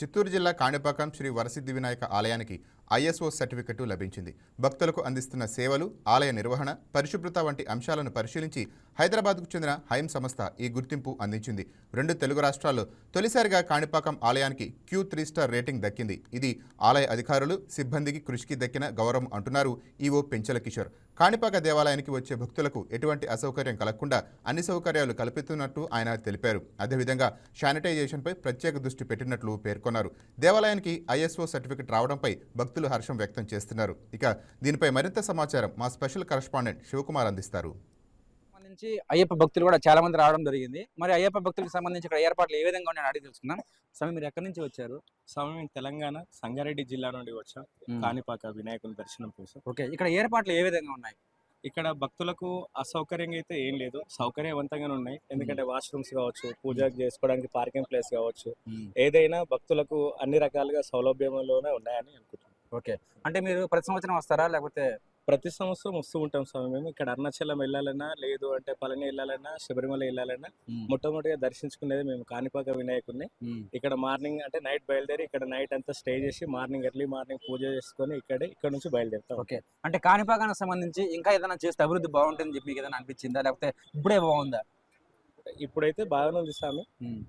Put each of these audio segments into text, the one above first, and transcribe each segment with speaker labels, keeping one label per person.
Speaker 1: చిత్తూరు జిల్లా కాణిపాకం శ్రీ వరసిద్ధి వినాయక ఆలయానికి ISO certificate లభించింది. భక్తులకు అందిస్తున్న సేవలు, ఆలయ నిర్వహణ, పరిశుభ్రత వంటి అంశాలను పరిశీలించి హైదరాబాద్కు చెందిన హైమ్ సంస్థ ఈ గుర్తింపు అందించింది. 2 తెలుగు రాష్ట్రాల్లో తొలిసారిగా కాణిపాకం ఆలయానికి Q3 స్టార్ రేటింగ్ దక్కింది. ఇది ఆలయ అధికారులు, సిబ్బందికి కృషికి దక్కిన గౌరవం అంటున్నారు ఈవో పెంచల కిషోర్. కాణిపాక దేవాలయానికి వచ్చే భక్తులకు ఎటువంటి అసౌకర్యం కలగకుండా అన్ని సౌకర్యాలు కల్పిస్తున్నట్టు ఆయన తెలిపారు. అదేవిధంగా శానిటైజేషన్పై ప్రత్యేక దృష్టి పెట్టినట్లు పేర్కొన్నారు. దేవాలయానికి ఐఎస్ఓ సర్టిఫికెట్ రావడంపై భక్తులు హర్షం వ్యక్తం చేస్తున్నారు. ఇక దీనిపై మరింత సమాచారం మా స్పెషల్ కరెస్పాండెంట్ శివకుమార్ అందిస్తారు.
Speaker 2: సంబంధించి అయ్యప్ప భక్తులు కూడా చాలా మంది రావడం జరిగింది. మరి అయ్యప్ప భక్తులకు సంబంధించి ఇక్కడ ఏర్పాట్లు ఏ విధంగా ఉన్నాయని అడిగి తెలుసుకున్నాం. స్వామి, మీరు ఎక్కడి నుంచి వచ్చారు?
Speaker 3: స్వామి, మేము తెలంగాణ సంగారెడ్డి జిల్లా నుండి వచ్చాం కాణిపాక వినాయకుని దర్శనం కోసం.
Speaker 2: ఓకే, ఇక్కడ ఏర్పాట్లు ఏ విధంగా ఉన్నాయి?
Speaker 3: ఇక్కడ భక్తులకు అసౌకర్యంగా అయితే ఏం లేదు, సౌకర్యవంతంగానే ఉన్నాయి. ఎందుకంటే వాష్రూమ్స్ కావచ్చు, పూజ చేసుకోవడానికి పార్కింగ్ ప్లేస్ కావచ్చు, ఏదైనా భక్తులకు అన్ని రకాలుగా సౌలభ్యంలోనే ఉన్నాయని అనుకుంటున్నాం.
Speaker 2: ఓకే, అంటే మీరు ప్రతి సంవత్సరం వస్తారా లేకపోతే?
Speaker 3: ప్రతి సంవత్సరం వస్తూ ఉంటాం స్వామి. మేము ఇక్కడ అరుణాచలం వెళ్ళాలన్నా, లేదు అంటే పళని వెళ్ళాలన్నా, శబరిమల వెళ్ళాలన్నా మొట్టమొదటిగా దర్శించుకునేది మేము కాణిపాక వినాయకుడిని. ఇక్కడ మార్నింగ్ అంటే నైట్ బయలుదేరి ఇక్కడ నైట్ అంతా స్టే చేసి ఎర్లీ మార్నింగ్ పూజ చేసుకొని ఇక్కడ నుంచి బయలుదేరుతాం.
Speaker 2: ఓకే, అంటే కాణిపాకానికి సంబంధించి ఇంకా ఏదైనా చేస్తే అభివృద్ధి బాగుంటుందని చెప్పి ఏదైనా అనిపించిందా, లేకపోతే ఇప్పుడే బాగుందా?
Speaker 3: ఇప్పుడైతే బాగానే ఉంది స్వామి.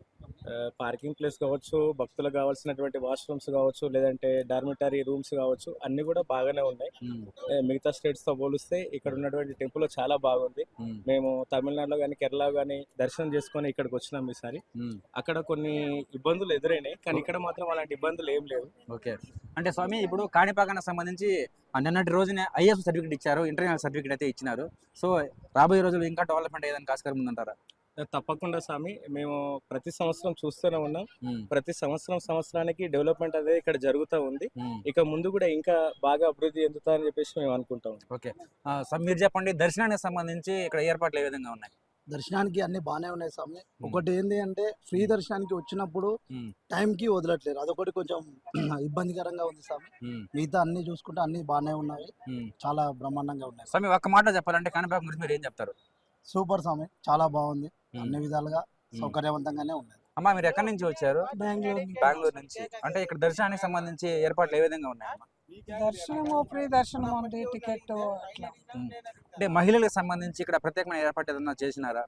Speaker 3: పార్కింగ్ ప్లేస్ కావచ్చు, భక్తులకు కావాల్సినటువంటి వాష్రూమ్స్ కావచ్చు, లేదంటే డార్మిటరీ రూమ్స్ కావచ్చు, అన్ని కూడా బాగానే ఉన్నాయి. మిగతా స్టేట్స్ తో పోలిస్తే ఇక్కడ ఉన్నటువంటి టెంపుల్ చాలా బాగుంది. మేము తమిళనాడులో కానీ కేరళ కానీ దర్శనం చేసుకొని ఇక్కడికి వచ్చినాం ఈసారి. అక్కడ కొన్ని ఇబ్బందులు ఎదురైనాయి, కానీ ఇక్కడ మాత్రం అలాంటి ఇబ్బందులు ఏం లేవు.
Speaker 2: ఓకే, అంటే స్వామి ఇప్పుడు కాణిపాకానికి సంబంధించి నిన్నటి రోజునే ఐఎస్ సర్టిఫికేట్ ఇచ్చారు, ఇంటర్నేషనల్ సర్టిఫికేట్ అయితే ఇచ్చినారు. సో రాబోయే రోజుల్లో ఇంకా డెవలప్మెంట్ ఏదైనా ఆస్కారం ఉందంటారా?
Speaker 3: తప్పకుండా స్వామి, మేము ప్రతి సంవత్సరం చూస్తూనే ఉన్నాం. ప్రతి సంవత్సరానికి డెవలప్మెంట్ అనేది ఇక్కడ జరుగుతూ ఉంది. ఇక ముందు కూడా ఇంకా బాగా అభివృద్ధి చెందుతారని చెప్పేసి మేము అనుకుంటాం.
Speaker 2: ఓకే, మీరు చెప్పండి, దర్శనానికి సంబంధించి ఇక్కడ ఏర్పాట్లు ఏ విధంగా ఉన్నాయి?
Speaker 4: దర్శనానికి అన్ని బాగానే ఉన్నాయి స్వామి. ఒకటి ఏంటి అంటే ఫ్రీ దర్శనానికి వచ్చినప్పుడు టైంకి వదలట్లేదు, అదొకటి కొంచెం ఇబ్బందికరంగా ఉంది స్వామి. మిగతా అన్ని చూసుకుంటే అన్ని బాగానే ఉన్నాయి, చాలా బ్రహ్మాండంగా ఉన్నాయి
Speaker 2: స్వామి. ఒక్క మాట చెప్పాలంటే కాణిపాకం గురించి మీరు ఏం చెప్తారు?
Speaker 4: సూపర్ స్వామి, చాలా బాగుంది, అన్ని విధాలుగా సౌకర్యవంతంగానే ఉంది.
Speaker 2: అమ్మా, మీరు ఎక్కడి నుంచి వచ్చారు? బెంగళూరు నుంచి. అంటే ఇక్కడ దర్శనానికి సంబంధించి ఏర్పాట్లు ఏ విధంగా ఉన్నాయమ్మా?
Speaker 5: దర్శనము ఫ్రీ దర్శనం ఉంది, టికెట్ అట్లా.
Speaker 2: అంటే మహిళలకు సంబంధించి ఇక్కడ ప్రత్యేకమైన ఏర్పాటు ఏదన్నా చేసినారా?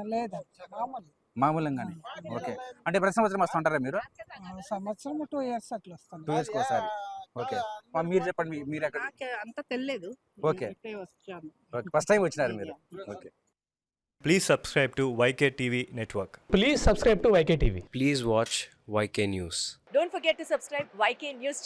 Speaker 5: లేదండి,
Speaker 2: మామూలుగానే. ఓకే, అంటే ప్రతి సంవత్సరం వస్తుంటారా మీరు?
Speaker 5: సంవత్సరం 2 years అట్లా వస్తాను.
Speaker 2: 2 years ఒకసారి. ఓకే, మీరు చెప్పండి, మీరు ఎక్కడ?
Speaker 5: అంత తెలియదు.
Speaker 2: ఓకే, ఫస్ట్ టైం వచ్చినారు మీరు. Okay,
Speaker 6: Please subscribe to YK TV Network.
Speaker 7: Please subscribe to YK TV.
Speaker 8: Please watch YK News.
Speaker 9: Don't forget to subscribe YK News